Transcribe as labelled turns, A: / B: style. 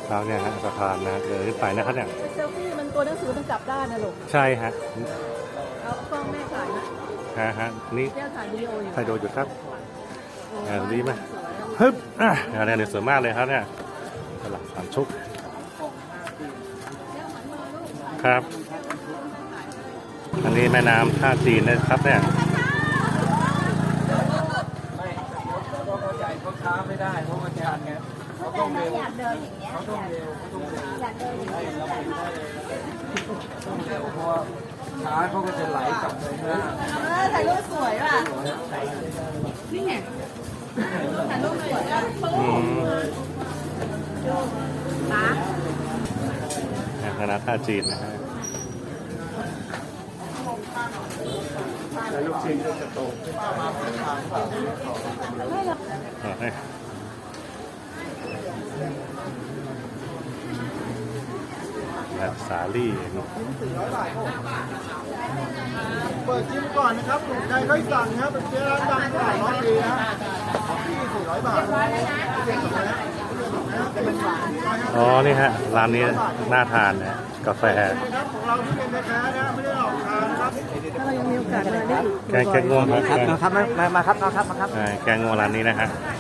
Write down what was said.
A: ครับเนี่ยฮะสะพานนะเดินขึ้นไปนะครับเนี่ย
B: เซลฟี่มันตัวหนังสือมันกลับด้านนะลูก
A: ใช่ฮะ
B: เอากล้องแม่ถ่ายนะ
A: ฮะนี่
B: แม่ถ่ายวิดีโออยู่
A: ถ่ายโดอยู่ครับดีไหมฮึบเนี่ยสวยมากเลยครับเนี่ยตลาดสามชุกครับอันนี้แม่น้ำท่าจีนนะครับเนี่ย
C: เขาช้าไม่ได้เพราะว่าชันไงเขาต้องเร็ว
D: อยากเดินอย่างเงี้ย
C: เขาต้องเร็ว
D: อยากเดินอย่างเงี้ย
C: ต้องเร็วเพราะว่าช้าเขาก็จะไหลกลับเลยนะ
D: ถ่ายรูปสวยว่ะนี่ไงถ่ายรูปสวยอ่ะป๋า
A: คณะท่าจีนนะฮะ
C: ลูกชิ้นจะโต
A: สาลี่
C: เปิดจิ้มก่อนนะครับถูกใจค่อยสั่งครับเป็นเจ้าร้านดังตลาดร้อยปีนะที่400 บาท
A: อ๋อนี่ฮะร้านนี้น่าทานนะกาแฟ
C: ของเราที่เป็นแท้ๆนะไม่ได้ออกทานนะครับ
B: ถ้าเรายังมีโอกาสมาได้อีก
A: แกงง่วง
C: ครับมาครับมาครับ
A: แกงง่วงร้านนี้นะฮะ